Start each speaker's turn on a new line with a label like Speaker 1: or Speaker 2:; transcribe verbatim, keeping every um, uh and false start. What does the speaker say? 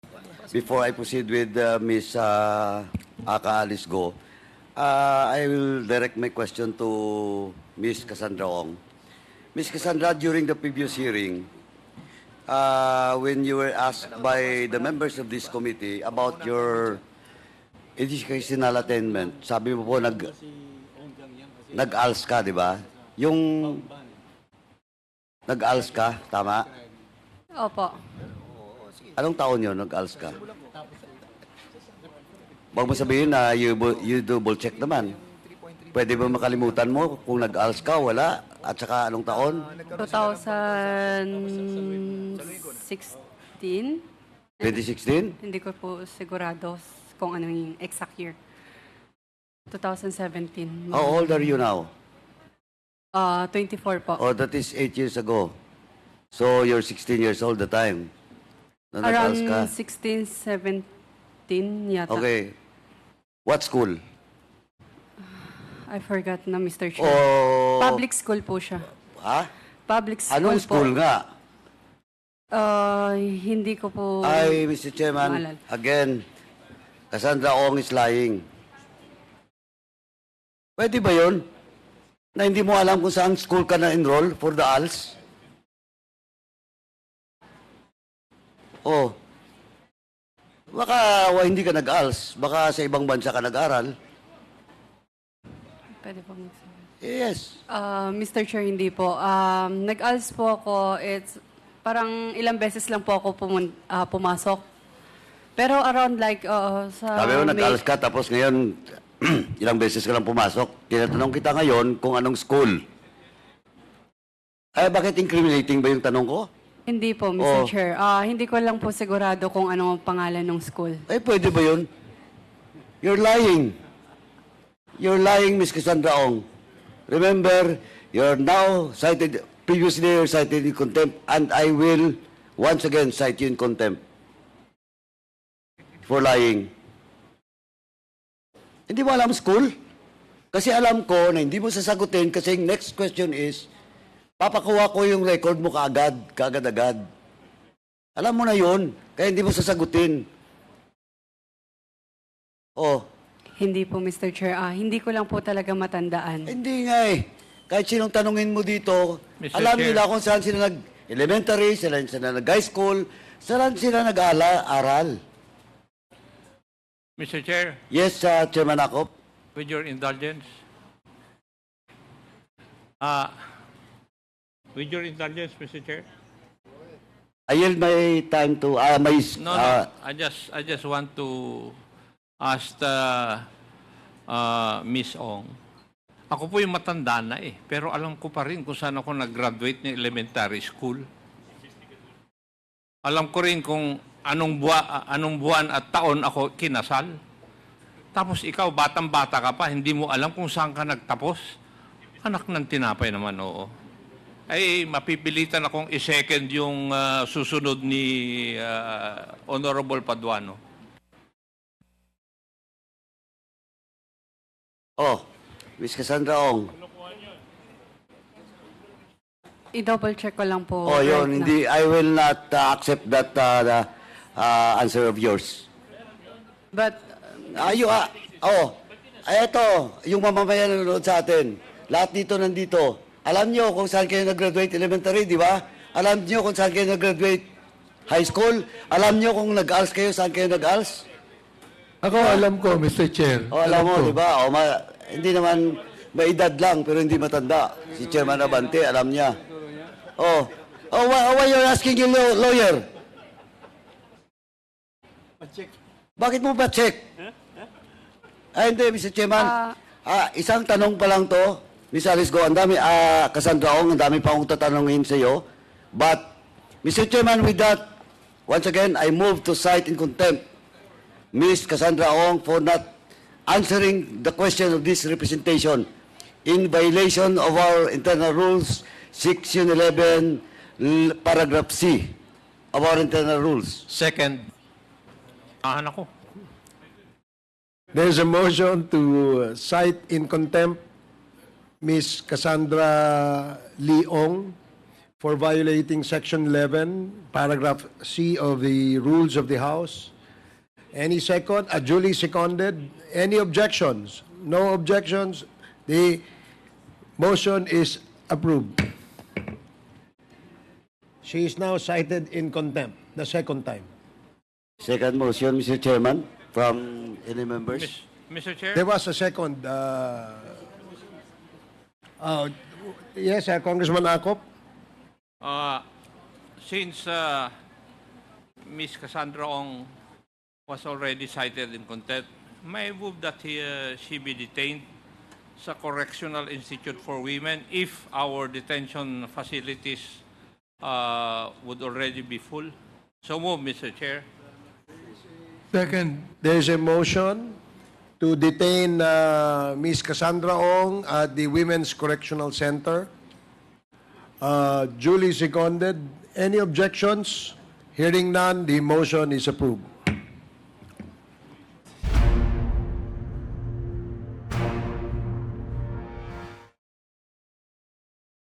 Speaker 1: before I proceed with uh, Miz Uh, Aka Alice Go, uh, I will direct my question to Miz Cassandra Ong. Miz Cassandra, during the previous hearing, uh, when you were asked by the members of this committee about your educational attainment, sabi mo po nag nag-A L S ka, di ba? Yung nag-A L S ka, tama?
Speaker 2: Opo.
Speaker 1: Anong taon yun nag-A L S ka? Huwag mo sabihin na you, you double check naman. Pwede ba makalimutan mo kung nag-A L S ka, wala? At saka anong taon?
Speaker 2: twenty sixteen?
Speaker 1: twenty sixteen?
Speaker 2: Hindi ko po sigurado kung ano yung exact year. twenty seventeen.
Speaker 1: How old are you now?
Speaker 2: Uh, twenty-four po.
Speaker 1: Oh, that is eight years ago. So you're sixteen years old the time. Na nag-A L S ka.
Speaker 2: Around sixteen, seventeen yata.
Speaker 1: Okay. What school?
Speaker 2: I forgot na, Mister Chair.
Speaker 1: Oh,
Speaker 2: Public school po siya.
Speaker 1: ha?
Speaker 2: Public school
Speaker 1: Anong school
Speaker 2: po.
Speaker 1: nga?
Speaker 2: Uh, hindi ko po...
Speaker 1: Ay, Mister Chairman,
Speaker 2: maalala.
Speaker 1: again, Cassandra Ong is lying. Pwede ba yun? Na hindi mo alam kung saan school ka na-enroll for the A L S? Oh. Baka wa, hindi ka nag-A L S. Baka sa ibang bansa ka nag-aral.
Speaker 2: Pwede po magsabi.
Speaker 1: Yes.
Speaker 2: Uh, Mister Chair, hindi po. Um, nag-A L S po ako. It's parang ilang beses lang po ako pumun- ah, pumasok. Pero around like uh, sa...
Speaker 1: Sabi mo,
Speaker 2: May-
Speaker 1: nag-A L S ka, tapos ngayon, ilang beses ka lang pumasok. Tinatanong kita ngayon kung anong school. Ay, bakit incriminating ba yung tanong ko?
Speaker 2: Hindi po, Mister
Speaker 1: Oh.
Speaker 2: Chair. Ah, hindi ko lang po sigurado kung ano ang pangalan ng school.
Speaker 1: Ay, pwede ba yun? You're lying. You're lying, Miss Cassandra Ong. Remember, you're now cited, previously you're cited in contempt, and I will once again cite you in contempt for lying. Hindi mo alam school? Kasi alam ko na hindi mo sasagutin kasi next question is, papakuha ko yung record mo kaagad, kaagad-agad. Alam mo na yun, kaya hindi mo sasagutin. Oh,
Speaker 2: Hindi po, Mister Chair. Ah, hindi ko lang po talaga matandaan.
Speaker 1: hindi nga eh. Kahit sinong tanungin mo dito,
Speaker 3: Mister
Speaker 1: alam
Speaker 3: Chair.
Speaker 1: nila kung saan sila nag-elementary, saan sila nag-high school, saan sila nag-aral.
Speaker 3: Mister Chair,
Speaker 1: Yes, uh, Chairman Akop.
Speaker 3: with your indulgence, uh, with your indulgence, Mister Chair.
Speaker 1: I yield my time to, ah, my,
Speaker 3: No,
Speaker 1: ah,
Speaker 3: no, I just, I just want to ask the, uh, Miss Ong. Ako po yung matanda na eh, pero alam ko pa rin kung saan ako nag-graduate ng elementary school. Alam ko rin kung anong, buwa, anong buwan at taon ako kinasal. Tapos ikaw, batang-bata ka pa, hindi mo alam kung saan ka nagtapos. Anak ng tinapay naman, oo. Ay, mapipilitan akong i-second yung uh, susunod ni uh, Honorable Paduano.
Speaker 1: oh, Miss Cassandra Ong.
Speaker 2: I-double check ko lang po.
Speaker 1: Oh, yun,
Speaker 2: right
Speaker 1: hindi, I will not uh, accept that uh, the, uh, answer of yours.
Speaker 2: now. But,
Speaker 1: Ayo, ah, oh, ay ito, yung mamamayan na nanonood sa atin. Lahat dito nandito. Alam nyo kung saan kayo nag-graduate elementary, di ba? Alam nyo kung saan kayo nag-graduate high school? Alam nyo kung nag-A L S kayo, saan kayo nag-A L S?
Speaker 4: Ako alam ko, Mister Chair.
Speaker 1: O, alam mo,
Speaker 4: ko.
Speaker 1: di ba? O, ma- hindi naman, may edad lang, pero hindi matanda. Si Chairman Abante, alam niya. Oh, oh, why, why you're asking your law- lawyer? Bakit mo ba check? Ay, hindi, Mister Chairman.
Speaker 2: Ah.
Speaker 1: Ah, isang tanong pa lang to. Miss Alice Go, ang dami, ah, Cassandra Ong, ang dami pa akong tatanungin sa iyo. But, Mister Chairman, with that, once again, I move to cite in contempt Miss Cassandra Ong for not answering the question of this representation in violation of our internal rules, Section eleven, l- paragraph C of our internal rules.
Speaker 3: Second, ahan ako.
Speaker 4: There's a motion to uh, cite in contempt Miss Cassandra Leong
Speaker 5: for violating Section eleven, Paragraph C of the Rules of the House. Any second? Uh, duly seconded. Any objections? No objections. The motion is approved. She is now cited in contempt, the second time.
Speaker 1: Second motion, Mister Chairman, from any members.
Speaker 3: Mis- Mister Chair?
Speaker 5: There was a second. Uh, uh, yes, uh, Congressman Akop.
Speaker 3: Uh, since uh, Miss Cassandra Ong was already cited in contempt, may I move that he, uh, she be detained sa Correctional Institute for Women if our detention facilities uh, would already be full. So move, Mister Chair.
Speaker 4: Second.
Speaker 5: There is a motion to detain uh, Miss Cassandra Ong at the Women's Correctional Center. Uh, duly seconded. Any objections? Hearing none, the motion is approved.